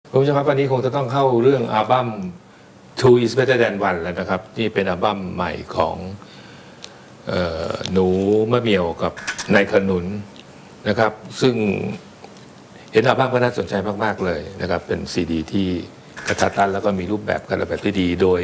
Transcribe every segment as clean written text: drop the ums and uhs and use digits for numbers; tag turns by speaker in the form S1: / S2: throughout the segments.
S1: คุณผู้ชมครับวันนี้คงจะต้องเข้าเรื่องอัลบั้ม Two is Better Than One แล้วนะครับนี่เป็นอัลบั้มใหม่ของหนูมะเหมี่ยวกับนายขนุนนะครับซึ่งเห็นอัลบั้มก็น่าสนใจมากๆเลยนะครับเป็นซีดีที่กระทัดรัดแล้วก็มีรูปแบบการออกแบบที่ดีโดย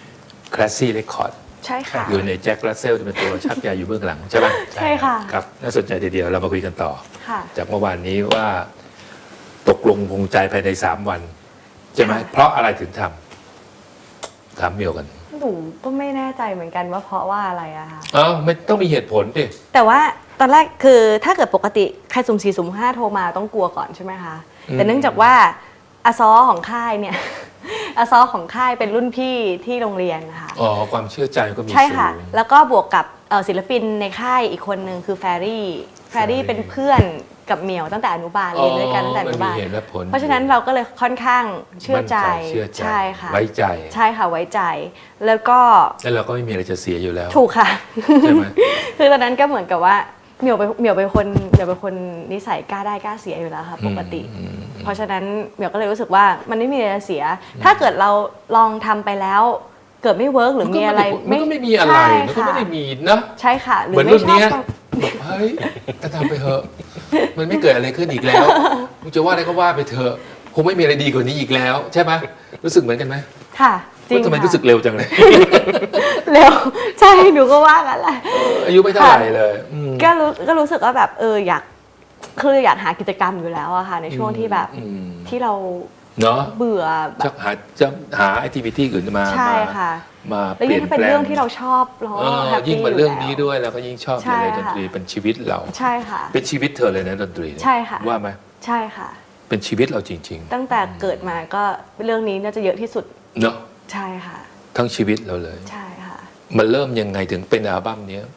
S1: Classy Record
S2: ใช่ค่ะ
S1: อยู่ในแจ็ค รัสเซลจะเป็นตัวชักยาอยู่เบื้องหลังใช่ไหม
S2: ใช่ค่ะ
S1: ครับน่าสนใจทีเดียวเรามาคุยกันต่อ
S2: ค่ะ
S1: จากเมื่อวานนี้ว่าตกลงคงใจภายใน3 วันใช่ไหมเพราะอะไรถึงทำถามเมียวกัน
S2: หนูก็ไม่แน่ใจเหมือนกันว่าเพราะว่าอะไรอะค่ะ
S1: อ้าวไม่ต้องมีเหตุผลดิ
S2: แต่ว่าตอนแรกคือถ้าเกิดปกติใครสุ่ม4สุ่ม5โทรมาต้องกลัวก่อนใช่ไหมคะ แต่เนื่องจากว่าอาซอของค่ายเนี่ย อาซอของค่ายเป็นรุ่นพี่ที่โรงเรียนนะคะ
S1: อ๋อความเชื่อใจก็มี
S2: ใช่
S1: สู
S2: ค่ะ
S1: ง
S2: แล้วก็บวกกับศิลปินในค่ายอีกคนนึงคือแฟรี่เป็นเพื่อนกับเหมียวตั้งแต่อนุบาลเรียนด้วยกันตั้งแต่อนุบาล
S1: มันมีเหตุและผล
S2: เพราะฉะนั้นเราก็เลยค่อนข้างเชื่อใจ
S1: มั่นเชื่อใจ
S2: ใช่ค่ะ
S1: ไว้ใจ
S2: ใช่ค่ะไว้ใจ แล้วก็
S1: แล้วเราก็ไม่มีอะไรจะเสียอยู่แล้ว
S2: ถูกค่ะ
S1: ใช่ไหม
S2: คือตอนนั้นก็เหมือนกับว่าเหมียวเป็นคนนิสัยกล้าได้กล้าเสียอยู่แล้วค่ะปกติ เพราะฉะนั้นเหมียวก็เลยรู้สึกว่ามันไม่มีอะไรจะเสีย ถ้าเกิดเราลองทำไปแล้ว เกิดไม่เวิร์กหรือมีอะไร
S1: มันก็ไม่มีอะไร
S2: ใช่
S1: มันก็
S2: ค่ะ
S1: ไม่ได้มีนะ
S2: ใช่ค่ะ หรื
S1: เหมื
S2: อ
S1: อน
S2: ไม่
S1: รุ่น
S2: ชอบ
S1: เนี้ย
S2: ต้อง
S1: บอกเฮ้ยก็ทำไปเถอะมันไม่เกิดอะไรขึ้นอีกแล้วมึงจะว่าอะไรก็ว่าไปเถอะคงไม่มีอะไรดีกว่านี้อีกแล้ว ใช่ไหมรู้สึกเหมือนกันไหม
S2: ค่ะจริง
S1: ว่าทำไม
S2: ค่ะ
S1: รู้สึกเร็วจังเลย
S2: เร็วใช่หนูก็ว่ากันแหละ
S1: อายุไม่เท่าไหร่เลยอืม
S2: ก็รู้สึกว่าแบบอยากหากิจกรรมอยู่แล้วอะค่ะในช่วงที่แบบ
S1: อืม
S2: ที่เรา
S1: เนาะ
S2: เบื่อแบ
S1: จะ
S2: บ
S1: หาแอคทิวิตี้อื่นมา
S2: ใช่ค่ะ
S1: มา
S2: แล้ว
S1: เปลี่
S2: ยิ่
S1: ย
S2: ง
S1: น
S2: ถ้าเป็น
S1: แปล
S2: เรื่อง งที่เราชอบเรา
S1: เอ
S2: ก็
S1: อ
S2: แฮปปี้
S1: ยิ่ง
S2: อ
S1: มา
S2: ยู่
S1: เรื่อง
S2: แล้ว
S1: นี้ด้วยเราก็ยิ่งชอบ
S2: ใช่
S1: เลยดน
S2: ค่ะ
S1: ตรีเป็นชีวิตเรา
S2: ใช่ค่ะ
S1: เป็นชีวิตเธอเลยนะดนตรีเนี่ย
S2: ใช่ค่ะ
S1: ว่าไหม
S2: ใช่ค่ะ
S1: เป็นชีวิตเราจริง
S2: ตั้งแต่เกิดมาก็เรื่องนี้น่าจะเยอะที่สุด
S1: ๆเนาะ
S2: ใช่ค่ะ
S1: ทั้งชีวิตเราเลย
S2: ใช่ค่ะ
S1: มันเริ่มยังไงถึงเป็นอัลบั้มเนี้ย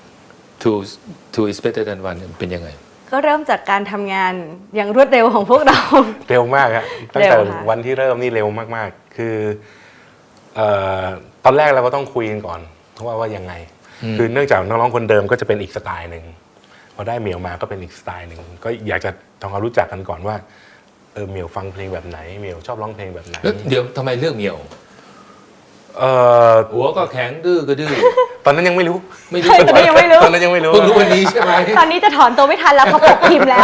S1: Two is Better Than One เป็นยังไง
S2: ก็เริ่มจากการทำงานอย่างรวดเร็วของพวกเรา
S3: เร็วมากครับตั้งแต่
S2: เร็วค่ะ
S3: วันที่เริ่มนี่เร็วมากๆ คือตอนแรกเราก็ต้องคุยกันก่อนว่ายังไง คือเนื่องจากน้องๆคนเดิมก็จะเป็นอีกสไตล์หนึ่งพอได้เหมียวมาก็เป็นอีกสไตล์หนึ่งก็อยากจะทำความรู้จักกันก่อนว่าเหมียวฟังเพลงแบบไหนเหมียวชอบร้องเพลงแบบไหน
S1: แล้วเดี๋ยวทำไมเลือกเหมียว
S3: เอ่อ
S1: หัวก็แข็งดื้อก็ดื้อ
S3: ตอนนั้นยังไม่รู้
S1: ไม่รู้
S2: ใช่ตอนนี้ยังไม่รู้
S3: ตอนนั้นยังไม่รู้
S1: เพิ่งรู้วันนี้ใช่ไหม
S2: ตอนนี้จะถอนตัวไม่ทันแล้วเขาปกพิมพ์แล้ว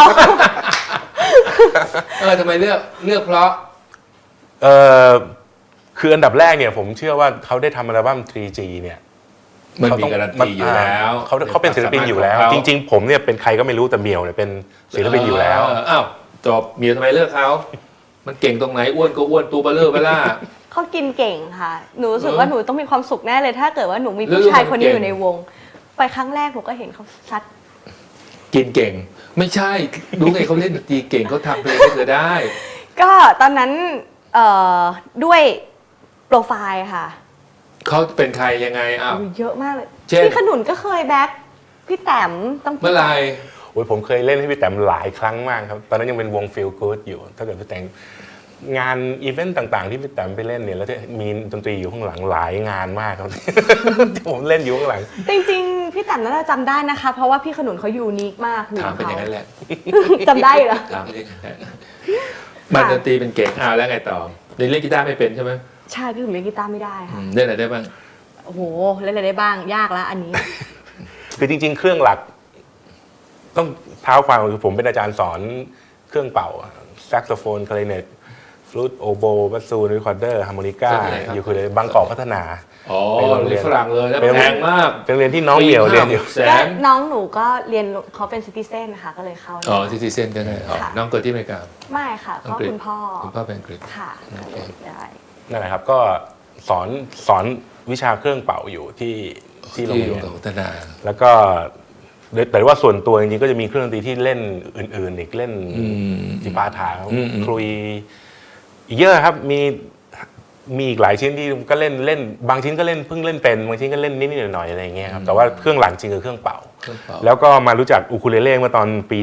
S1: ทำไมเลือกเพราะ
S3: เอ่อคืออันดับแรกเนี่ยผมเชื่อว่าเขาได้ทำอัลบั้ม 3G เนี่ย
S1: มันมีการันตีอยู่แล้ว
S3: เขาเป็นศิลปินอยู่แล้ว จริงๆผมเนี่ยเป็นใครก็ไม่รู้แต่เหมียวเนี่ยเป็นศิลปินอยู่แล้ว
S1: อ้าวจบเหมียวทำไมเลือกเขามันเก่งตรงไหนอ้วนก็อ้วนตัวเบลอเบล่า
S2: เขากินเก่งค่ะ หนูรู้สึกว่าหนูต้องมีความสุขแน่เลย ถ้าเกิดว่าหนูมี
S1: แล้ว
S2: ผู้ชายคนนี้
S1: เก่ง
S2: อยู่ในวง ไปครั้งแรกหนูก็เห็นเขาซัด
S1: กินเก่ง ไม่ใช่รู้ไงเขาเล่นดนตรีเก่งเขาทำเพลงให้เธอได้
S2: ก็ตอนนั้นด้วยโปรไฟล์ค่ะ
S1: เขาเป็นใครยังไงอ้าว
S2: เยอะมากเลย
S1: เช่น
S2: พี่ขนุนก็เคยแบ็คพี่แต้มต้อง
S1: เมื่อไหร
S3: โอ้ยผมเคยเล่นให้พี่แต้มหลายครั้งมากครับ ตอนนั้นยังเป็นวง Feel Good อยู่ ถ้าเกิดพี่แต้มงานอีเวนต์ต่างๆ ที่พี่แต้มไปเล่นเนี่ยแล้วจะมีดนตรีอยู่ข้างหลังหลายงานมากครับ ที่ผมเล่นอยู่ข้างหลัง
S2: จริงๆพี่แต้มน่าจะจำได้นะคะ เพราะว่าพี่ขนุนเขายูนิคมากหู
S1: ถามเป็นอย่างนั้นแหละ
S2: จำได้เหรอ
S1: ถามเป็นอย่างนั้นแหละมันดนตรีเป็นเก่งอ้าวแล้วไงต่อเล่นกีตาร์ไม่เป็นใช่ไหม
S2: ใช่พี่ขนุนเล่นกีตาร์ไม่ได้ค่ะ
S1: เล่นอะไรได้บ้าง
S2: โอ้โหเล่นอะไรได้บ้างยากแล้วอันนี้
S3: คือจริงๆ เครื่องหลัก ต้องเท้าความคือผมเป็นอาจารย์สอนเครื่องเป่าแซกโซโฟนคลาริเนตฟลูตโอโบบัสซูนรีคอร์เดอร์ฮาร์โมนิก้ายูคูเลเล่บางกอกพัฒนา
S1: อ๋อ
S3: ไปโรงเรี
S1: เรี
S3: ย
S1: ย
S3: น
S1: นฝรั่งเลยแล้ว
S3: ไปโรง
S1: แพ
S3: เรียน
S1: งมาก
S3: เป็นโรงเรียนที่น้องเหมียวเรียนอยู่
S1: แส
S2: และ
S1: น
S2: น้องหนูก็เรียนเขาเป็นซิติเซนนะคะก็เลยเข้า
S1: อ๋อซิติเซนก็ได้อ๋อ
S2: ค่ะ
S1: น้องเกิดที่อเมริกา
S2: ไม่ค่ะ
S1: อัง
S2: ก็
S1: กฤษ
S2: คุณพ่อ
S1: คุณพ่อเป็นอังกฤษ
S2: ค่ะ
S1: โอเค
S2: ได้
S3: นั่นแหละครับก็สอนวิชาเครื่องเป่าอยู่ที่โรงเรียน
S1: พัฒนา
S3: แล้วก็แต่ว่าส่วนตัวจริงๆก็จะมีเครื่องดนตรีที่เล่นอื่นๆอีกเล่นจิปาถาคลุยอีกเยอะครับมีอีกหลายชิ้นที่ก็เล่นบางชิ้นก็เล่นเพิ่งเล่นเป็นบางชิ้นก็เล่นนิดๆหน่อยๆอะไรอย่างเงี้ยครับแต่ว่าเครื่องหลังจริงคือเครื่องเป่า
S1: เครื่องเป่า
S3: แล้วก็มารู้จักอูคูเลเล่เมื่อตอนปี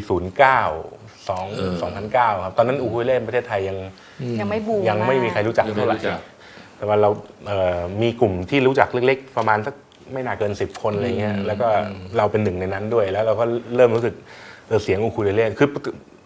S3: 2009 ครับตอนนั้นอูคูเลเล่ประเทศไทย
S2: ยังไม่บูม
S3: ยังไม่มีใครรู้จัก
S1: ยังไม่
S3: เท่าไหร่
S1: รู้จัก
S3: แต่ว่าเรามีกลุ่มที่รู้จักเล็กๆ ประมาณสักไม่น่าเกิน10 คนอะไรเงี้ยแล้วก็เราเป็นหนึ่งในนั้นด้วยแล้วเราก็เริ่มรู้สึกเสียงอูคูเลเล่คือ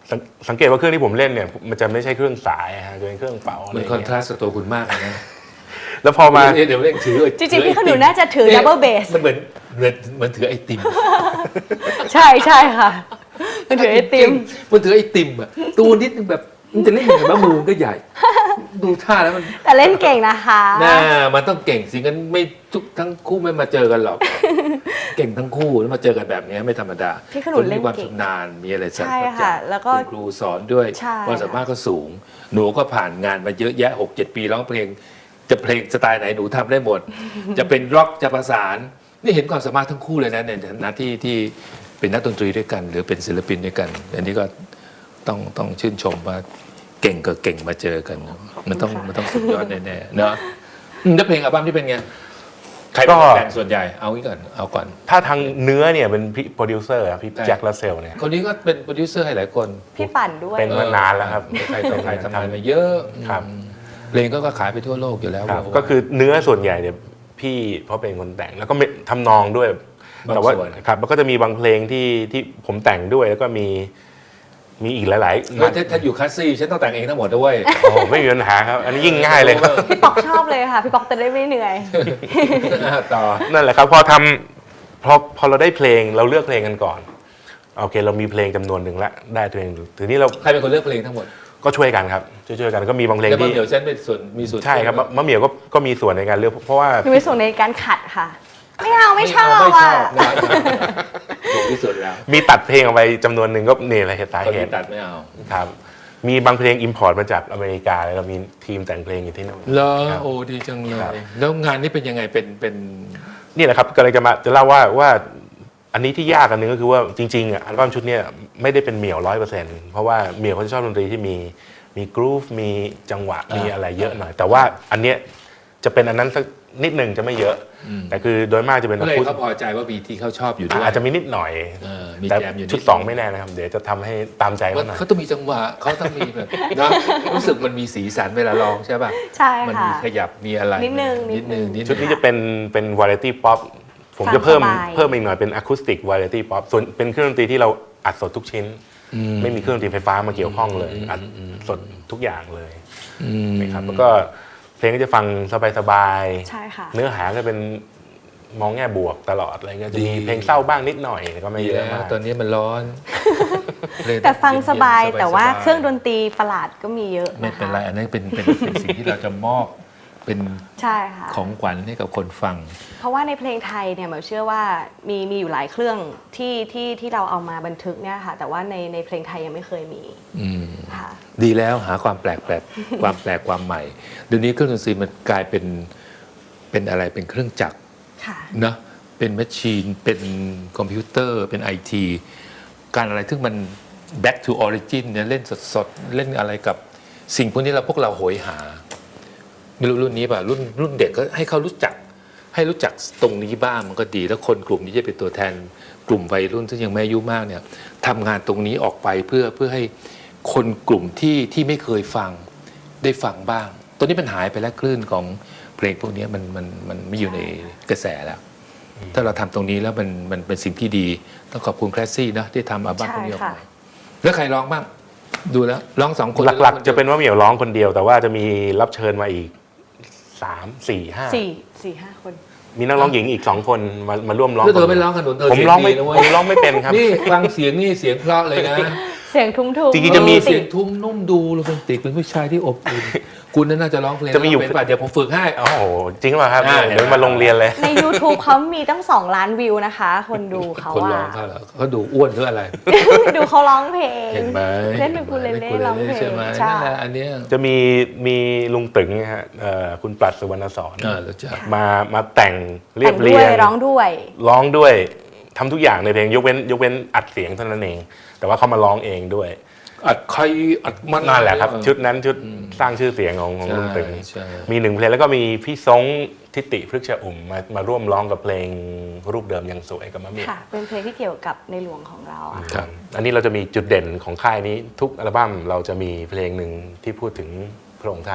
S3: สังเกตว่าเครื่องที่ผมเล่นเนี่ยมันจะไม่ใช่เครื่องสายฮะจะเป็นเครื่องเป่าอะไร
S1: มัน
S3: อย่าง
S1: คอน
S3: เงี้
S1: ทราย สต์กับตัวคุณมากเลยนะ
S3: แล้วพอมา
S1: เดี๋ยวเล่นถือ
S2: จริงๆพี่ขนุนน่าจะถือ double bass
S1: มันเหมือนถือไอติม
S2: ใช่ใช่ค่ะมันถือไอติม
S1: มันถือไอติมอ่ะตัวนิดนึงแบบมันจะเล่นยังไงบ้างมือมันก็ใหญ่ ดูท่าแล้วมัน
S2: แต่เล่นเก่งนะคะ
S1: น่ามันต้องเก่งสิงั้นไม่ทุกทั้งคู่ไม่มาเจอกันหรอก เก่งทั้งคู่แล้วมาเจอกันแบบนี้ไม่ธรรมดา
S2: พี่ขนุนเล่น
S1: มีความ
S2: เก่ง
S1: ชำนาญมีอะไรสัก
S2: ใช่
S1: อย่าง
S2: ค่ะแล้วก็
S1: คุณครูสอนด้วย
S2: ใช่
S1: ความสามารถก็สูง หนูก็ผ่านงานมาเยอะแยะ 6-7 ปีร้องเพลง จะเพลงสไตล์ไหนหนูทำได้หมด จะเป็นร็อกจะประสาน นี่เห็นความสามารถทั้งคู่เลยนะในฐานะที่เป็นนักดนตรีด้วยกัน หรือเป็นศิลปินด้วยกัน อันนี้ก็ต้องชื่นชมว่าเก่งกับเก่งมาเจอกันนะมันต้องสุดยอดแน่ๆเนาะแล้วเพลงอัลบั้มที่เป็นไงใครเป็นคนแต่งส่วนใหญ่เอางี้ก่อนเอาก่อน
S3: ถ้าทางเนื้อเนี่ยเป็นพี่โปรดิวเซอร์ครับพี่
S1: ใช่
S3: แจ็คลาเซลเนี่ย
S1: คนนี้ก็เป็นโปรดิวเซอร์ให้หลายคน
S2: พี่ปั่นด้วย
S3: เป็นมานานแล้วครับ
S1: ใครต่อใครทำงานมาเยอะ
S3: ครับ
S1: เพลงก็ขายไปทั่วโลกอยู่แล้ว
S3: ครับก็คือเนื้อส่วนใหญ่เนี่ยพี่เขาเป็นคนแต่งแล้วก็ทำนองด้วย แต่ว่าครับแล้วก็จะมีบางเพลงที่ผมแต่งด้วยแล้วก็มีอีกหลายๆ
S1: ถ้าอยู่คลาสซี่ฉันต้องแต่งเองทั้งหมดด้วย
S3: โอ้ไม่มีปัญหาครับ อันนี้ยิ่งง่ายเลยครับ
S2: พี่ป๊อกชอบเลยค่ะ พี่ป๊อกจะได้ไม่เหนื่อย
S1: ต่อ
S3: นั่นแหละครับพอเราได้เพลงเราเลือกเพลงกันก่อนโอเคเรามีเพลงจำนวนหนึ่งละได้เพลงทีนี้เรา
S1: ใครเป็นคนเลือกเพลงทั้งหมด
S3: ก็ช่วยกันครับช่วยกันก็มีบางเพลง
S1: แล้วมะ
S3: ที่
S1: เหมียวฉันเป็นมีส่วน
S3: ใช่ครับมะเหมียวก็มีส่วนในการเลือกเพราะว่า
S2: หนูมีส่วนในการขัดค่ะ ไม่เอาไม่ชอบ
S1: ไม่ช
S2: อ่ะ
S1: อบนะถูกที่สุดแล้ว
S3: มีตัดเพลงออกไปจำนวนหนึ่งก็เนี่ยแหละสา
S1: คน
S3: เห
S1: ที่
S3: ตุ
S1: ตัดไม่เอา
S3: ครับมีบางเพลงอิมพอร์ตมาจากอเมริกาแล้วเรามีทีมแต่งเพลงอยู่ที่นู่น
S1: เหรอ
S3: ครับ
S1: โอ้ดีจังเล
S3: ครับ
S1: ยแล้วงานนี้เป็นยังไงเป็น
S3: นี่แหละครับก็เลยจะเล่าว่าอันนี้ที่ยากอันหนึงก็คือว่าจริงๆอ่ะอัลบั้มชุดเนี้ยไม่ได้เป็นเหมี่ยว100%เพราะว่าเหมี่ยวเขาจะชอบดนตรีที่มีกรูฟมีจังหวะมีอะไรเยอะหน่อย แต่ว่าอันเนี้ยจะเป็นอันนั้นสักนิดหนึ่งจะไม่เยอะ แต่คือโดยมากจะเป็น
S1: เพื่อให้เขาพอใจว่ามีที่เขาชอบอยู่ด้วย
S3: อาจจะมีนิดหน่อย
S1: มี
S3: แต่
S1: แจมอยู่นิ
S3: ชุด2ไม่แน่นะครับเดี๋ยวจะทำให้ตามใจเขาหน่อย
S1: เขาต้องมีจังหวะเขาต้องมีแบบนะรู้สึกมันมีสีสันเวลาร้องใช่ป่ะ
S2: ใช่
S1: มัน
S2: ค่ะ
S1: มีขยับมีอะไร
S2: นิดนึง
S1: นิดนึง
S3: ชุดนี้จะเป็นวาไรตี้ป๊อปผม
S2: ฟัง
S3: จะเพิ่ม
S2: สบาย
S3: อีกหน่อยเป็นอะคูสติกวาไรตี้ป๊อปส่วนเป็นเครื่องดนตรีที่เราอัดสดทุกชิ้น ไม่มีเครื่องดนตรีไฟฟ้ามาเกี่ยวข้องเลยอัดสดทุกอย่างเลยนะครับแล้วก็เพลงก็จะฟังสบายๆ
S2: ใช่ค่ะ
S3: เนื้อหาก็เป็นมองแง่บวกตลอดอะไรเงี้ยจะมีเพลงเศร้าบ้างนิดหน่อยแต่ก็ไม่
S1: ดี
S3: เย
S1: แล้
S3: อะ
S1: ว
S3: มาก
S1: ตอนนี้มันร้อน
S2: แต่ฟังสบาย
S1: เนๆ
S2: แต่ว่า
S1: สบยๆ
S2: เครื่องดนตรีประหลาดก็มีเยอะ
S1: ไม่
S2: นะคะ
S1: เป็นไรอันนั้นเป็นสิ่งที่เราจะมอบเป็น
S2: ใช่ค่ะ
S1: ของขวัญให้กับคนฟัง
S2: เพราะว่าในเพลงไทยเนี่ยหมายเชื่อว่ามีอยู่หลายเครื่องที่เราเอามาบันทึกเนี่ยค่ะ แต่ว่าในเพลงไทยยังไม่เคยมี
S1: อืม
S2: ค่ะ
S1: ดีแล้วหาความแปลกความแปลกความใหม่เดี๋ยวนี้เครื่องดนตรีมันกลายเป็นอะไรเป็นเครื่องจักร
S2: ค่ะ
S1: เนอะเป็นแมชชีนเป็นคอมพิวเตอร์เป็นไอทีการอะไรที่มัน back to origin เนี่ยเล่นสดๆ เล่นอะไรกับสิ่งพวกนี้พวกเราโหยหา ไม่รู้รุ่นนี้ป่ะรุ่นเด็กก็ให้เขารู้จักตรงนี้บ้างมันก็ดี แล้วคนกลุ่มนี้จะเป็นตัวแทนกลุ่มวัยรุ่นซึ่งยังไม่อายุมากเนี่ยทำงานตรงนี้ออกไปเพื่อให้คนกลุ่มที่ไม่เคยฟังได้ฟังบ้างตอนนี้มันหายไปแล้วคลื่นของเพลงพวกนี้มันไม่อยู่ในกระแสแล้ว ถ้าเราทำตรงนี้แล้วมันเป็นสิ่งที่ดีต้องขอบคุณแคลสซี่นะที่ทำอัลบั้มพวกนี้ออก
S2: ใช่
S1: มา
S2: ค่ะ
S1: แล้วใครร้องบ้างดูแล้วร้องสองคน
S3: หลักๆ จะเป็นว่าเหมียวร้องคนเดียว แต่ว่าจะมีรับเชิญมาอีก3 4 5
S2: 4-5 คน
S3: มีนักร้องหญิงอีก2 คนมาร่วมร้อง
S1: แล้วเธอไม่ร้องขนุนเธอ
S3: ผม
S1: เสียง
S3: ร้อง
S1: ดี
S3: ไม่
S1: นะเว้ย
S3: ผมร้องไม่เป็นครับ
S1: นี่ฟังเสียงนี่เสียงเพราะเลยนะ
S2: เสียงทุ้มๆ
S3: จริงๆจะมี
S1: เสียงทุ้มนุ่มดูโรแมนติกเป็นผู้ชายที่อบอุ่นคุณน่าจะร้องเพลง
S3: จะมีอยู่
S1: เป็นป่ะเดี๋ยวผมฝึกให้
S3: โอ้โหจริงป่ะครับ
S1: อ่า
S3: เดี๋ยวมาลงเรียนเลย
S2: ใน YouTube เขามีตั้ง2 ล้านวิวนะคะ คนดูเขา
S1: คนร้องเขาเหรอเขาดูอ้วนหรืออะไร
S2: ดูเขาร้องเพลง
S1: เห็นไหม
S2: เล่นเป็นคูเลเล่ร้องเพลง
S1: ใช่ไหม
S2: ใช่
S1: นั่นแหละอันเนี้ย
S3: จะมีลุงตึงนะฮะคุณปรัชสุวรรณสอน
S1: รู้จัก
S3: มาแต่งเรีย
S2: แต่
S3: บ
S2: ง
S3: เรี
S2: ด้วย
S3: ยง
S2: ร้องด้วย
S3: ร้องด้วยทำทุกอย่างในเพลงยกเว้นอัดเสียงเท่านั้นเอง แต่ว่าเขามาร้องเองด้วย
S1: อัดใครอัดมัน
S3: นั่นแหละครับ
S1: เออ
S3: ชุดนั้นชุดสร้างชื่อเสียงของลุงตึง
S1: ใช่
S3: มี1 เพลงแล้วก็มีพี่ซงทิติพฤกษอุ่มมาร่วมร้องกับเพลงรูปเดิมยังสวยกับมะเมี่ย
S2: ค่ะ เป็นเพลงที่เกี่ยวกับในหลวงของเราอะ
S1: ครับ
S3: อันนี้เราจะมีจุดเด่นของค่ายนี้ทุกอัลบั้มเราจะมีเพลงหนึ่งที่พูดถึงพระองค์ท่าน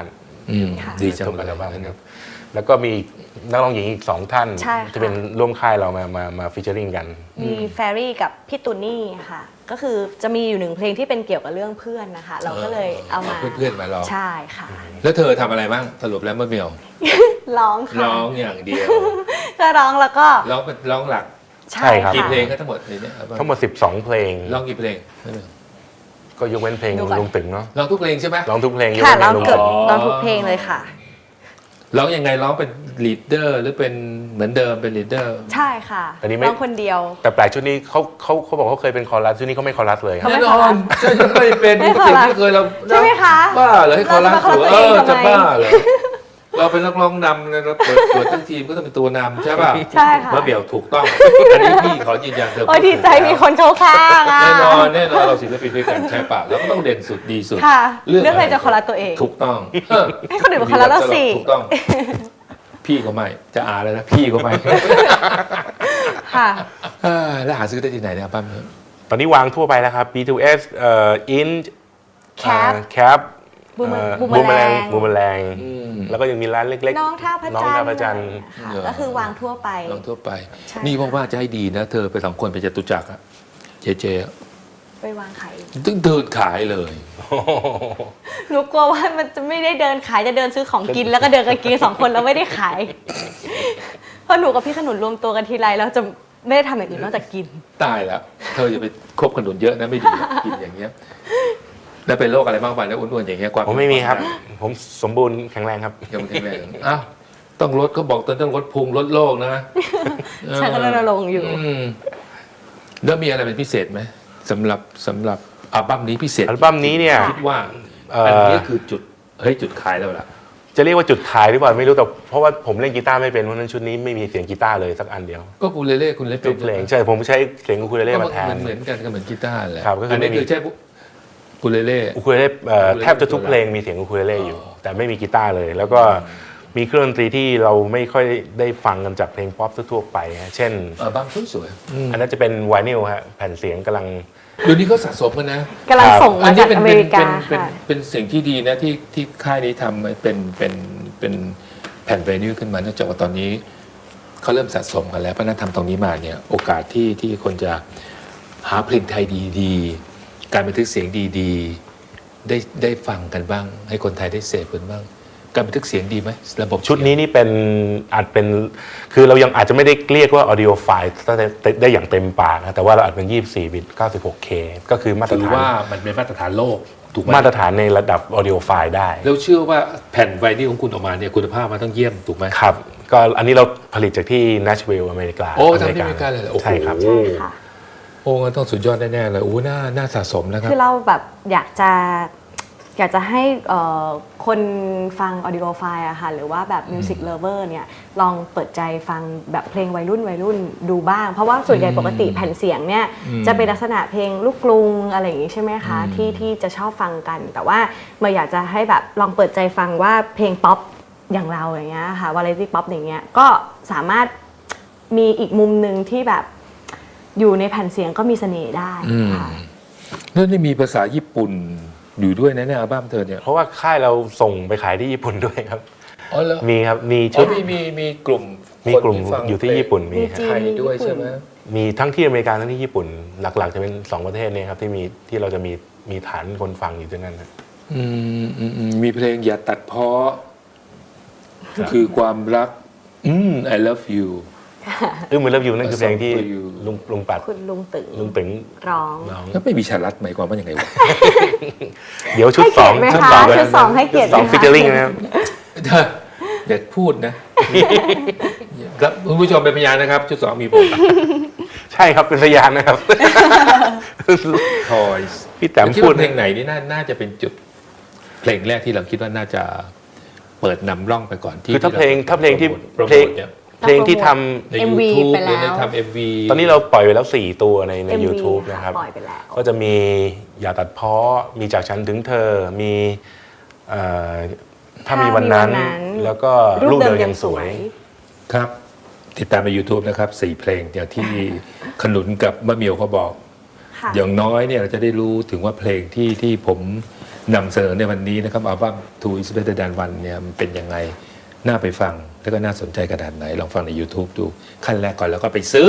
S2: ค่ะ
S1: ดีจัง
S3: ทุก
S1: เล
S3: อั
S1: ย
S3: ลบั้มครับแล้วก็มีนักร้องหญิงอีก2 ท่าน
S2: ใช่ค่ะ
S3: จะเป็นร่วมค่ายเรามาฟีเจอริงกัน
S2: มีแฟรี่กับพี่ตูนี่ค่ะ ก็คือจะมีอยู่1เพลงที่เป็นเกี่ยวกับเรื่องเพื่อนนะคะ เราก็เลยเอามา
S1: เพื่อนๆมาร้อง
S2: ใช่ค่ะ
S1: แล้วเธอทำอะไรบ้างสรุปแล้วมะเหมียว
S2: ร้องค่ะ
S1: ร้องอย่างเดียว
S2: ก็ร้องแล้วก็
S1: ร้องเป็นร้องหลัก
S3: ใช่ครับ
S1: กี่
S2: ค่ะ
S1: เพลงก็ทั้งหมดในเนี้ยอัลบั้ม
S3: ทั้งหมด12 เพลง
S1: ร้องกี่เพลง
S3: ก็ยกเว้นเพลง
S2: ดูก่อน
S3: ลุงตึงเนาะ
S1: ร้องทุกเพลงใช่ไหม
S3: ร้องทุกเพลงยก
S2: ค่ะ
S3: เว้นเพล
S2: ร้อง
S3: งลุง
S2: เกื
S3: ตึ
S2: อบ
S3: ง
S2: ร้องทุกเพลงเลยค่ะ
S1: ร้องยังไงร้องเป็นลีดเดอร์หรือเป็นเหมือนเดิมเป็นลีดเดอร์
S2: ใช่ค่ะ
S3: อันนี้ไม่
S2: ร้องคนเดียว
S3: แต่แปลกชุดนี้เขาบอกเขาเคยเป็นคอรัสชุดนี้เขาไม่คอรัสเลยครับ
S2: ไม่
S1: แน่น
S2: คอรั
S1: อ
S2: ส
S1: นใช่ไม่เป็น
S2: ไม่
S1: สิ่ง
S2: คอรัส
S1: ที่เคยเรา
S2: ใช่ไหมคะ
S1: บ้าเหรอให้คอรัส
S2: เราจะมาคอรัสตัวเอง
S1: จะ
S2: ทำไม
S1: บ้าเหรอเราเป็นนักร้องนำนะเราเปิดทั้งทีมก็ต้องเป็นตัวนำใช่ป่ะ
S2: ใช่ค่ะ
S1: มะเหมียวถูกต้อง อันนี้พี่ขอยืนยันเธอ
S2: โอ้ยดีใจมีคนเข้าข้างอ่ะ
S1: แน่นอนเราศิลปินด้วยกันใช่ป่ะแล้วก็ต้องเด่นสุดดีสุด
S2: ค่ะ เรื่องอะไรจะคอรัสตัวเอง
S1: ถูกต้อง
S2: ให้คนอื่นมาคอรัสเราสิ
S1: ถูกต้อง พี่ก็ไม่จะอาเลยนะพี่ก็ไม่
S2: ค่ะ
S1: แล้วหาซื้อได้ที่ไหนเนี่ยอัลบั้มนี้
S3: ตอนนี้วางทั่วไปแล้วครับ B2S Int
S2: Cap
S3: Cap
S2: บูม
S3: บูมแมลงบูมแมลงแล้วก็ยังมีร้านเล็กๆ
S2: น้องท่าพระ
S3: น้อง
S2: จันท
S3: ท่า
S2: ร์
S3: พระจันทร์
S2: ค่ะก็คือวางทั่วไป
S1: ลองทั่วไป
S2: ใช่
S1: นี่ว่าจะให้ดีนะ เธอไป2 คนไปจตุจักรอะเจอะ
S2: ไปวางขาย
S1: ตึ้งเดินขายเลย
S2: หนูกลัวว่ามันจะไม่ได้เดินขายจะเดินซื้อของกิน แล้วก็เดินกันกิน2 คนแล้วไม่ได้ขาย เพราะหนูกับพี่ขนุนรวมตัวกันทีไรแล้วจะไม่ได้ทำอย่างอื่นนอกจากกิน
S1: ตายแล้ว เธออย่าไปคบขนุนเยอะนะไม่ดีกินอย่างเงี้ยแล้วเป็นโรคอะไรบ้างไปแล้วอ้วนๆอย่างเงี้ยความ
S3: ผมไม่มีครับ ผมสมบูรณ์แข็งแรงครับ
S1: ยังไม่แข็งแรงอ้าวต้องลดเขาบอกต้องลดพุงลดโรคนะ
S2: ใช่ก็รณรงค์อยู่
S1: มแล้วมีอะไรเป็นพิเศษไหมสำหรับอัลบั้มนี้พิเศษ
S3: อัลบั้มนี้เนี่ย
S1: คิดว่าอันนี้คือจุดขายแล้วล่ะ
S3: จะเรียกว่าจุดขายหรือเปล่าไม่รู้แต่เพราะว่าผมเล่นกีตาร์ไม่เป็นเพราะฉะนั้นชุดนี้ไม่มีเสียงกีตาร์เลยสักอันเดียว
S1: ก็อูเลเล่คุณเล่น
S3: ทุกเพลงใช่ผมใช้เสียงอูคูเลเล่มาแทน
S1: เหมือนกันก็เหมือนกีตาร์แหละ
S3: ครับก็คืออั
S1: อันนี้
S3: ไม่มี
S1: คือใช่อูเลเล่
S3: อูคูเลเล่
S1: อูคูเลเล่
S3: แทบจะทุกเพลงมีเสียงอูคูเลเล่อยู่ แต่ไม่มีกีตาร์เลย แล้วก็มีเครื่องดนตรีที่เราไม่ค่อยได้ฟังกันจากเพลงป๊อปทั่วๆไปฮะเช่น
S1: อัลบั้มสวย
S3: อันนั้นจะเป็นไวนิลฮะแผ่นเสียงกำลัง
S1: เดี๋ยวนี้เขาสะสมกันนะ
S2: กำลังส่ง
S1: อั
S2: มาน
S1: นี้
S2: จากอเมริกาค่ะ
S1: เป็นสิ่งที่ดีนะที่ค่ายนี้ทำเป็นแผ่นไวนิลขึ้นมาเนื่องจากว่าตอนนี้เขาเริ่มสะสมกันแล้วเพราะฉะนั้นทำตรงนี้มาเนี่ยโอกาสที่คนจะหาเพลงไทยดีๆการบันทึกเสียงดีๆได้ฟังกันบ้าง ให้คนไทยได้เสพกันบ้าง การบันทึกเสียงดีไหมระบบ
S3: ชุดนี้นี่เป็นอาจเป็นคือเรายังอาจจะไม่ได้เรียกว่า audio file ได้อย่างเต็มปากนะแต่ว่าเราอาจเป็น24 บิต 96K ก็คือมาตร
S1: ถือ
S3: ฐาน
S1: ว่ามันเป็นมาตรฐานโลกถูกไหม
S3: มาตรฐานในระดับ audio file ได้
S1: แล้วเชื่อว่าแผ่นไวนิลของคุณออกมาเนี่ยคุณภาพมันต้องเยี่ยมถูกไหม
S3: ครับ ก็อันนี้เราผลิตจากที่ Nashville อเมริกา
S1: โอ้ทำที่อเมริกาเลยเหรอโอ้โห
S3: ใช่ครับ
S2: ใช่ค่ะ
S1: โอ้งั้นต้องสุดยอดแน่ๆเลยโอ้น่าสะสมนะครับ
S2: คือเราแบบอยากจะให้คนฟัง audio file อะค่ะหรือว่าแบบ music lover เนี่ยลองเปิดใจฟังแบบเพลงวัยรุ่นดูบ้าง เพราะว่าส่วนใหญ่ปกติแผ่นเสียงเนี่ยจะเป็นลักษณะเพลงลูกกรุงอะไรอย่างงี้ใช่ไหมคะที่จะชอบฟังกัน แต่ว่าเมื่ออยากจะให้แบบลองเปิดใจฟังว่าเพลงป๊อปอย่างเราอย่างเงี้ยค่ะ variety pop อย่างเงี้ยก็สามารถมีอีกมุมหนึ่งที่แบบอยู่ในแผ่นเสียงก็มีเสน่ห์ได้ค่ะ
S1: แล้วนี่มีภาษาญี่ปุ่นอยู่ด้วยนะเนี่ยอัลบั้มเธอเนี่ย
S3: เพราะว่าค่ายเราส่งไปขายที่ญี่ปุ่นด้วยครับ
S1: อ๋อเหรอ
S3: มีครับ มี
S1: อ๋
S3: ชุ
S1: อ
S3: ด
S1: มีกลุ่ม
S3: มีกลุ่ม
S1: คนฟัง
S3: อยู่ที่ญี่ปุ่นมี
S2: มี
S3: ค
S2: จี
S3: รับ
S1: ไทยด้วยใช่ไหม
S3: มีทั้งที่อเมริกาทั้งที่ญี่ปุ่น หลักๆจะเป็น2ประเทศเนี้ครับที่เราจะมีฐานคนฟังอยู่ที่นั่นนะ
S1: มีเพลงอย่าตัดเพ้อคือความรักI love you
S3: เหมือนเลิฟยูนั่นคือเพลงที่
S1: For You
S3: ลุงปัด
S2: คุณลุงตึง
S3: ลุงตึง
S2: ร้อง
S3: ร้อง
S1: แล้วไม่มีชาลัดหมายความว่าอย่างไงวะ
S3: เดี๋ยวชุด
S2: ให้
S3: ส
S2: เกี
S3: อย ง
S2: รติไหม
S3: ชุด
S2: คะ
S3: สอง
S2: ชุดสองให้เกียรติไหม
S3: สอง
S2: คะ
S3: ฟิชเชอริงนะครับ
S1: อย่าพูดนะครับคุณผู้ชมเป็นพยานนะครับชุด 2 มีผม
S3: ใช่ครับเป็นพยานนะครับ
S1: Toys
S3: พี่แต้ม
S1: คิด
S3: พูด
S1: ว่าเพลงไหนนี่น่าจะเป็นจุดเพลงแรกที่เราคิดว่าน่าจะเปิดนำร่องไปก่อนที่
S3: คือถ้าเพลงที่
S1: โปรโม
S3: เพลง
S1: ทเนี่ย
S3: เพลงที่ทำ
S1: ใน
S2: MV
S1: YouTube
S2: ไป
S1: หรือใน
S2: แล้ว
S1: ทำ MV
S3: ตอนนี้เราปล่อยไปแล้ว4ตัวใน
S2: MV
S3: YouTube
S2: ค่ะ
S3: นะครับ
S2: ปล่อยไปแล้ว
S3: ก็จะมีอย่าตัดเพ้อมีจากฉันถึงเธอมีเอ่อถ้ามีวันนั้น แล้วก็รูปเดิมยังสวย
S1: ครับ ติดตามใน YouTube นะครับ4เพลงอย่างที่ขนุนกับมะเหมียวเขาบอก
S2: ค่ะ
S1: อย่างน้อยเนี่ยเราจะได้รู้ถึงว่าเพลงที่ผมนำเสนอในวันนี้นะครับอัลบั้ม Two is Better Than One เนี่ยมันเป็นยังไงน่าไปฟังแล้วก็น่าสนใจขนาดไหนลองฟังใน YouTube ดูขั้นแรกก่อนแล้วก็ไปซื้อ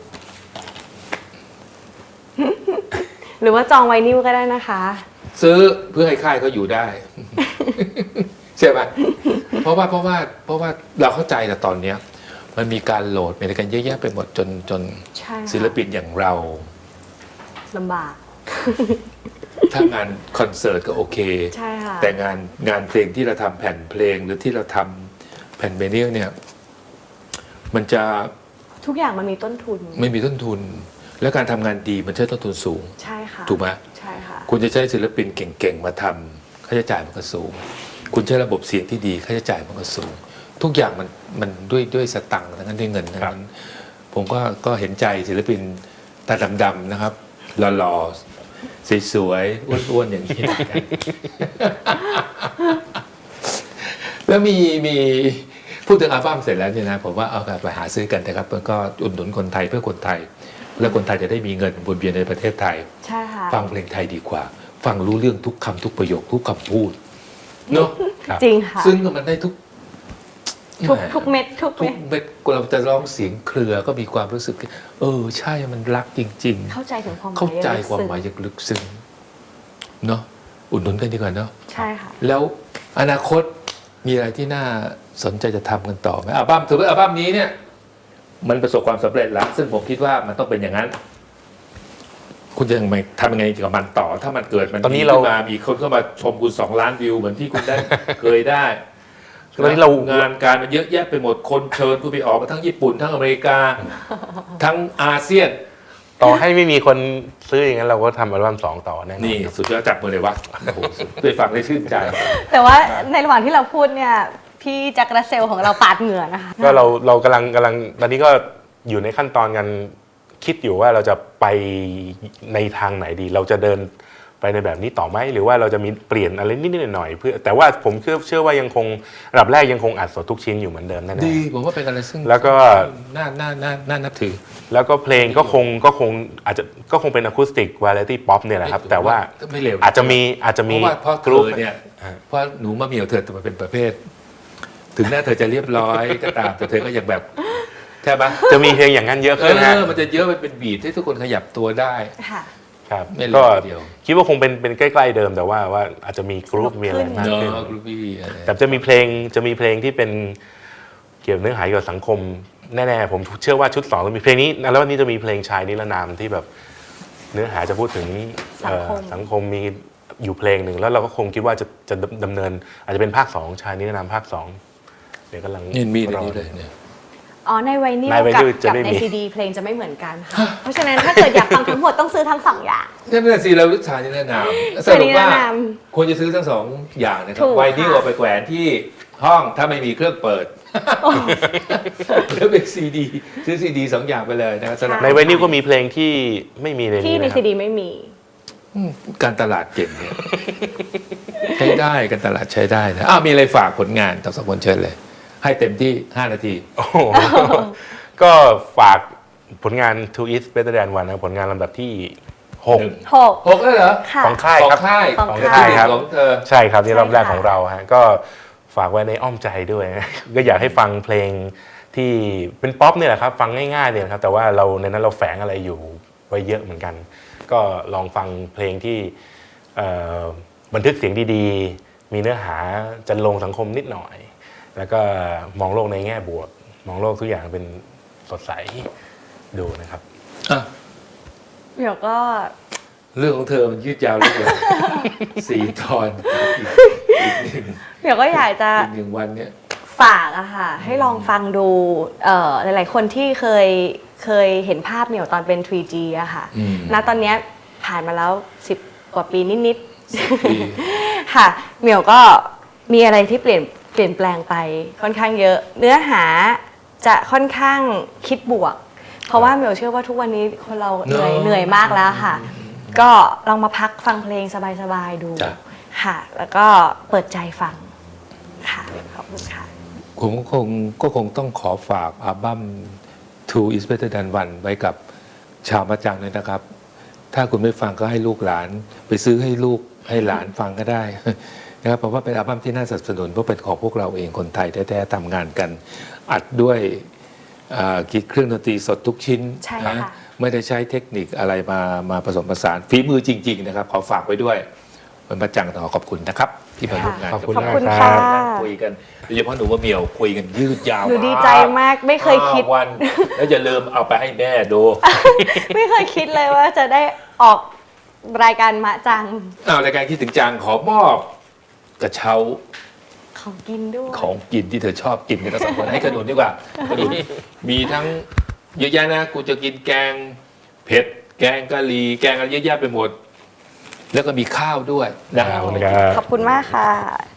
S2: หรือว่าจองไวนิลก็ได้นะคะ
S1: ซื้อเพื่อให้ค่ายเขาอยู่ได้ ใช่ไหมเพราะว่าเราเข้าใจแต่ตอนเนี้ยมันมีการโหลดมีอะไรกันเยอะแยะไปหมดจน
S2: ใช่ค่ะ
S1: ศิลปินอย่างเรา
S2: ลำบาก
S1: ถ้างานคอนเสิร์ตก็โอเค
S2: ใช่ค่ะ
S1: แต่งานเพลงที่เราทำแผ่นเพลงหรือที่เราทำแผ่นเวนิลเนี่ย มันจะ
S2: ทุกอย่างมันมีต้นทุน
S1: ไม่มีต้นทุน และการทำงานดีมันใช้ต้นทุนสูง
S2: ใช่ค่ะ
S1: ถูกไหม
S2: ใช่ค่ะ
S1: คุณจะใช้ศิลปินเก่งๆมาทำค่าใช้จ่ายมันก็สูง คุณใช้ระบบเสียงที่ดีค่าใช้จ่ายมันก็สูง ทุกอย่างมันด้วยสตังค์ทั้งนั้นด้วยเงินทั้งนั้น ผมก็เห็นใจศิลปินตาดำๆนะครับหล่อๆสวยๆอ้วนๆอย่างนี้ แล้วมีพูดถึงอัลบั้มเสร็จแล้วเนี่ยนะผมว่าเอาไปหาซื้อกันนะครับแล้วก็อุดหนุนคนไทยเพื่อคนไทย แล้วคนไทยจะได้มีเงินวนเวียนในประเทศไทย
S2: ใช่ค่ะ
S1: ฟังเพลงไทยดีกว่า ฟังรู้เรื่องทุกคำทุกประโยคทุกคำพูดเนาะ
S2: จริงค่ะ
S1: ซึ่งมันได้ทุก
S2: ทุกเม็ดทุก
S1: ทุ
S2: เม็
S1: ก
S2: ด
S1: เม็ดเราจะร้องเสียงเครือก็มีความรู้สึก ใช่มันรักจริง
S2: เข้าใจถึงความห
S1: ๆ
S2: มาย
S1: เข้าใจ
S2: ลึก
S1: ความ
S2: ซึ้ง
S1: หมายอย่างลึกซึ้งเนาะอุดหนุนกันดีกว่าเนาะ
S2: ใช่ค่ะ
S1: แล้วอนาคตมีอะไรที่น่าสนใจจะทำกันต่อไหมอัลบั้มถือว่าอัลบั้มนี้เนี่ย มันประสบความสำเร็จแล้วซึ่งผมคิดว่ามันต้องเป็นอย่างนั้น คุณจะทำยังไงกับมันต่อ ถ้ามันเกิดมัน
S3: ตอนนี้
S1: ดี
S3: เรา
S1: ขึ้นมามีคนเข้ามาชมคุณ2 ล้านวิวเหมือนที่คุณได้ เคยได้
S3: ตอนนี้เรา
S1: งานการมันเยอะแยะไปหมดคนเชิญคุณไปออกมาทั้งญี่ปุ่นทั้งอเมริกา ทั้งอาเซียน
S3: ต่อให้ไม่มีคนซื้ออย่างนั้นเราก็ทำอัลบั้ม2 ต่อแน่นอน
S1: นี่สุดยอดจับมือเลยวะโอ้โหได้ฟังได้ชื่นใจ
S2: แต่ว่าในระหว่างที่เราพูดเนี่ย พี่แจ็ครัสเซลของเราปาดเหงื่อนะคะ
S3: ก็เรากำลังตอนนี้ก็อยู่ในขั้นตอนกันคิดอยู่ว่าเราจะไปในทางไหนดี เราจะเดินไปในแบบนี้ต่อไหมหรือว่าเราจะมีเปลี่ยนอะไรนิดๆหน่อยๆเพื่อแต่ว่าผมเชื่อว่ายังคงระดับแรกยังคงอัดสดทุกชิ้นอยู่เหมือนเดิมแน่
S1: ดีผมว่าเป็นอะไรซึ่ง
S3: แล้วก็
S1: น่านับถือ
S3: ๆแล้วก็เพลงก็คงอาจจะก็คงเป็นอะคูสติกวาไรตี้ป๊อปเนี่ยแหละครับแต่ว่า
S1: ไม่เร็ว
S3: อาจจะมี
S1: เพราะ
S3: กรุ๊ป
S1: เธอเนี่ยเพราะหนูมะเหมี่ยวเธอมันเป็นประเภท ถึงแม้เธอจะเรียบร้อยก็ตามแต่เธอก็ยังแบบใช่ไหม
S3: จะมีเพลงอย่างนั้นเยอะขึ้นนะ
S1: มันจะเยอะมันเป็นบีทที่ทุกคนขยับตัวได้
S2: ค่ะ
S3: ครับ
S1: ไม่เร็ว
S3: ก็
S1: ทีเดียว
S3: คิดว่าคงเป็นใกล้ๆเดิมแต่ว่าอาจจะมีกรุ๊ปมีอะไรมาก
S1: เนา
S3: ขึ้น
S1: ะกรุ๊ปบี้อะไร
S3: แต่จะมีเพลงที่เป็นเกี่ยวกับเนื้อหาเกี่ยวกับสังคมแน่ๆผมเชื่อว่าชุด2ต้องมีเพลงนี้แล้ววันนี้จะมีเพลงชายนิรนามที่แบบเนื้อหาจะพูดถึง สังคมมีอยู่เพลงหนึ่งแล้วเราก็คงคิดว่าจะดำเนินอาจจะเป็นภาค2ชายนิรนามภาค2เดี๋ยวกำลัง
S1: นี่มีใน
S3: รอ
S1: นี้เลยเนี่ย
S2: อ๋อในไวนิล
S3: ในไว
S2: กับ
S3: นิลจะไม่
S2: ใน
S3: มี
S2: ซีดีเพลงจะไม่เหมือนกันค่ะ เพราะฉะนั้นถ้าเกิดอยากฟังทั้งหมดต้องซื้อทั้งสองอย่าง
S1: นั่นแหละสิเราลึกชานี่แนะนำสรุปว่าควรจะซื้อทั้ง2 อย่างนะครั
S2: ถู
S1: บ
S2: ก
S1: ไวนิล
S2: ค่ะ
S1: เอาไปแขวนที่ห้องถ้าไม่มีเครื่องเปิดแล้วเป็นซีดีซื้อซีดี2 อย่างไปเลยนะครับสำหรับ
S3: ในไวนิลก็มีเพลงที่ไม่มีใน
S2: ที่
S3: นี้
S2: ใน
S3: นะค
S2: ซี
S3: รับ
S2: ดีไม่มี
S1: การตลาดเก่งเนี่ยใช้ได้การตลาดใช้ได้นะมีอะไรฝากผลงานทั้ง2 คนเชิญเลย ให้เต็มที่5 นาที
S3: โอ้โหก็ฝากผลงาน Two is Better Than One นะผลงานลำดับที่ 6
S2: 6
S1: 6แล้วเหรอ
S2: ค่ะ
S3: ของค่าย
S1: ของ
S3: ครับ
S1: ค่าย
S2: ของ
S3: ค่ายครับ
S1: ของเธอ
S3: ใช่ครับนี่
S2: ใช่
S3: รอบแรก
S2: ค่ะ
S3: ของเราฮะก็ฝากไว้ในอ้อมใจด้วยนะ ก็อยากให้ฟังเพลงที่เป็นป๊อปเนี่ยแหละครับฟังง่ายๆเนี่ยนะครับแต่ว่าเราในนั้นเราแฝงอะไรอยู่ไว้เยอะเหมือนกัน ก็ลองฟังเพลงที่บันทึกเสียงดีๆ มีเนื้อหาจันลงสังคมนิดหน่อย แล้วก็มองโลกในแง่บวก มองโลกทุกอย่างเป็นสดใสดูนะครับ
S1: อ่ะ
S2: เดี๋ยวก็
S1: เรื่องของเธอมันยืดยาวเหลย 4 ตอนอีก
S2: เดี๋ยวก็อยากจะ
S1: หนึ่งวันเนี่ย
S2: ฝากอะค่ะ ให้ลองฟังดูหลายๆคนที่เคยเห็นภาพเหมียวตอนเป็น 3G อะค่ะ
S1: อืม
S2: ณตอนเนี้ยผ่านมาแล้ว10 กว่าปีนิด
S1: ปี
S2: ๆ ค่ะ เหมียวก็มีอะไรที่เปลี่ยนแปลงไปค่อนข้างเยอะ เนื้อหาจะค่อนข้างคิดบวก เพราะว่าเหมียวเชื่อว่าทุกวันนี้คนเราเหนื่อยมากแล้วค่ะ ก็ลองมาพักฟังเพลงสบายๆดู
S1: จ้ะ
S2: ค่ะ แล้วก็เปิดใจฟังค่ะขอบคุณค่ะ
S1: ผมก็คงต้องขอฝากอัลบั้ม Two is Better Than One ไว้กับชาวมะจังเลยนะครับ ถ้าคุณไม่ฟังก็ให้ลูกหลาน ไปซื้อให้ลูกให้หลานฟังก็ได้ นะครับเพราะว่าเป็นอัลบั้มที่น่าสนับสนุนเพราะเป็นของพวกเราเองคนไทยแท้ๆทำงานกัน อัดด้วยเครื่องดนตรีสดทุกชิ้น
S2: ใช่ค่ะ
S1: นะไม่ได้ใช้เทคนิคอะไรมาผสมผสานฝีมือจริง ๆ นะครับขอฝากไว้ด้วยเป็นประจังขอขอบคุณนะครับ ที่มาร่วมงาน
S3: ขอบคุณ
S2: ขอบ
S3: มาก
S2: คุณ
S3: ครั
S2: ค่ะ
S3: บ
S1: นั่งคุยกันโดยเฉพาะหนูว่าเหมียวคุยกันยืดยาว
S2: หนูดีใจมากไม่เคยคิด
S1: 5 วัน แล้วอย่าลืมเอาไปให้แม่ดู
S2: ไม่เคยคิดเลยว่าจะได้ออกรายการมะจัง
S1: เอารายการคิดถึงจังขอมอบกระเช้า
S2: ของกินด้วย
S1: ของกินที่เธอชอบกินกันทั้งสองคนให้ขนุนดีกว่าขนุนมีทั้งเยอะแยะนะกูจะกินแกงเผ็ดแกงกะหรี่แกงอะไรเยอะแยะไปหมด แล้วก็มีข้าวด้วยนะ
S3: ขอบคุณครับ
S2: ขอบคุณมากค่ะ